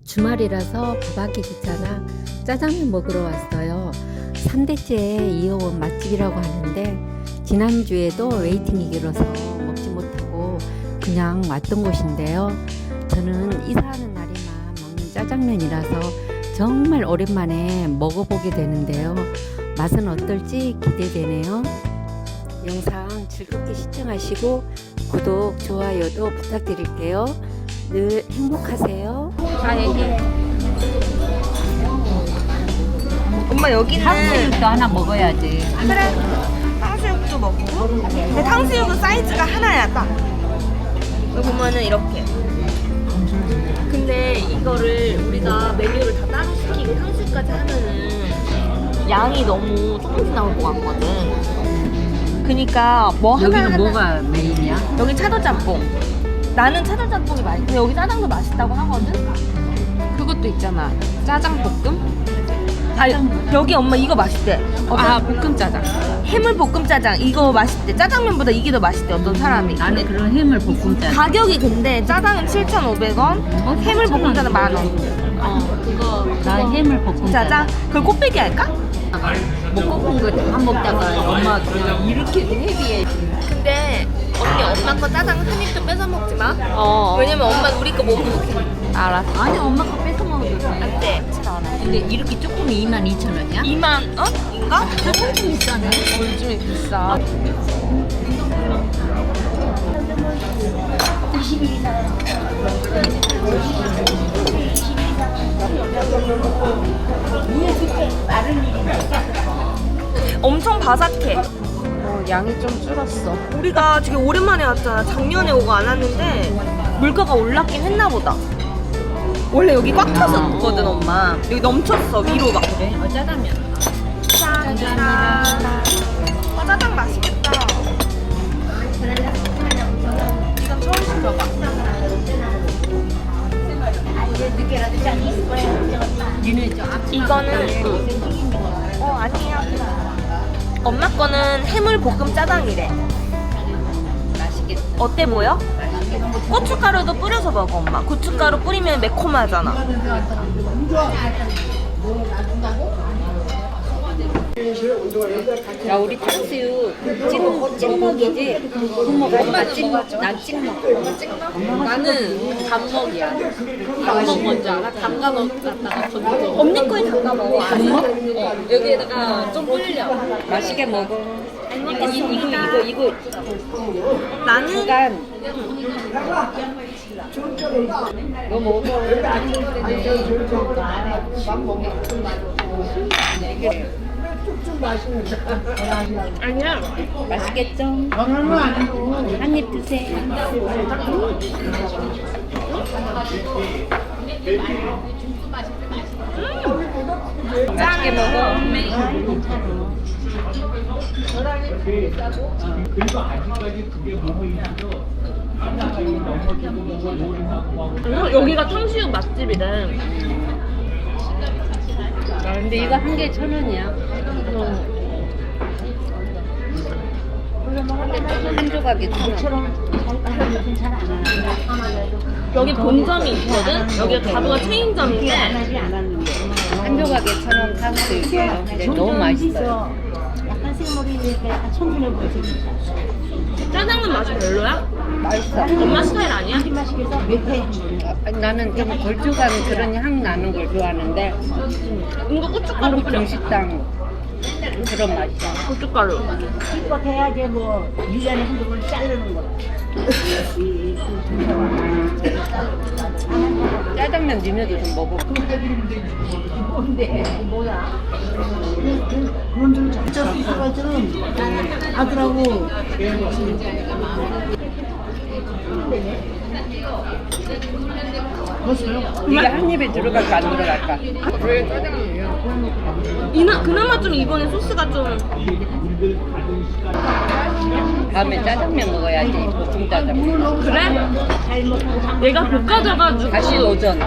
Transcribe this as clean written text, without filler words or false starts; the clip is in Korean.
주말이라서 밥하기 귀찮아 짜장면 먹으러 왔어요. 3대째 이어온 맛집이라고 하는데 지난주에도 웨이팅이 길어서 먹지 못하고 그냥 왔던 곳인데요. 저는 이사하는 날에만 먹는 짜장면이라서 정말 오랜만에 먹어보게 되는데요. 맛은 어떨지 기대되네요. 영상 즐겁게 시청하시고 구독, 좋아요도 부탁드릴게요. 늘 행복하세요. 얘기해. 엄마 여기는 탕수육도 하나 먹어야지. 그래. 탕수육도 먹고. 근데 탕수육은 사이즈가 하나야 딱. 여기 보면은 이렇게. 근데 이거를 우리가 메뉴를 다 따로 시키고 탕수육까지 하면은 양이 너무 조금씩 나올 것 같거든. 그니까 뭐 하나 여기는 뭐가 메인이야? 여기 차돌짬뽕. 나는 차돌짬뽕이 맛있어. 근데 여기 짜장도 맛있다고 하거든. 그것도 있잖아. 짜장볶음? 아니 여기 엄마 이거 맛있대. 아, 볶음 짜장. 해물 볶음 짜장 이거 맛있대. 짜장면보다 이게 더 맛있대. 어떤 사람이. 나는 그런 해물 볶음짜. 가격이 근데 짜장은 7,500원, 해물 볶음 짜장 10,000원. 그거 나 해물 볶음짜. 짜장? 그걸 꽃배기 할까? 먹고 본 거 다 먹다가 엄마 이렇게 헤비해. 근데 언니 엄마 거 짜장 한 입도 뺏어 먹지 마. 왜냐면 엄마 우리 거 못 먹게. 알았어. 아니 엄마 거 뺏어 먹어도 돼. 안 돼. 근데 이렇게 조금이 22,000원이야? 2만 원? 인가? 조금 비싸네. 요즘에 비싸. 엄청 바삭해. 양이 좀 줄었어. 우리가 되게 오랜만에 왔잖아. 작년에 오고 안 왔는데 물가가 올랐긴 했나 보다. 원래 여기 꽉 찼었거든 엄마. 여기 넘쳤어 위로 막. 그래? 짜장면. 감사합니다. 짜장 맛있겠다. 이건 처음 시켜봐. 니네 저 앞. 이거는 아니야. 엄마 거는 해물 볶음 짜장이래. 맛있겠다. 어때 보여? 고춧가루도 뿌려서 먹어 엄마. 고춧가루 뿌리면 매콤하잖아. 야 우리 탕수육 찍먹이지? 부먹 엄마 찍먹 난 찍먹. 나는 단먹이야. 단먹 뭔지 알아? 담가 먹다가 건져. 언니 거에 담가 먹어. 여기에다가 좀 불려. 맛있게 먹어. 이거 나는 잠깐 너 먹어. 아니야. 맛있겠죠? 한 입 드세요. 맛있게 먹어. 그리고 아직까지 그게 뭐뭐 있어서 여기가 탕수육 맛집이래. 근데 이거 한 개에 1,000원이야. 한 조각에 1,000원. 여기 본점이 있거든. 여기가 가부가 체인점인데 한 조각에 1,000원 탕수육이에요. 근데 너무 맛있어요. 약간 생머리 이렇게 약간 청순해 보이지. 짜장면 맛이 별로야? 맛있어. 엄마 스타일 아니야? 맛있겠어? 몇회 나는 좀 걸쭉한 그런 향 나는 걸 좋아하는데 이거 고춧가루 한국 뿌려. 중식당 그런 맛이야. 고춧가루. 기껏 해야지 뭐 1년에 한두 번 자르는 거. 짜장면 니네도 좀 먹어. 뭔데? 뭐야? 그런 줄 진짜 비싸가지는 아들하고 이게 한 입에 들어갈까 안 들어갈까? 왜 짜장면이야? 그나마 좀 이번에 소스가 좀 다음에 짜장면 먹어야지. 볶음 짜장면. 그래? 얘가 볶아져가지고 다시 오전.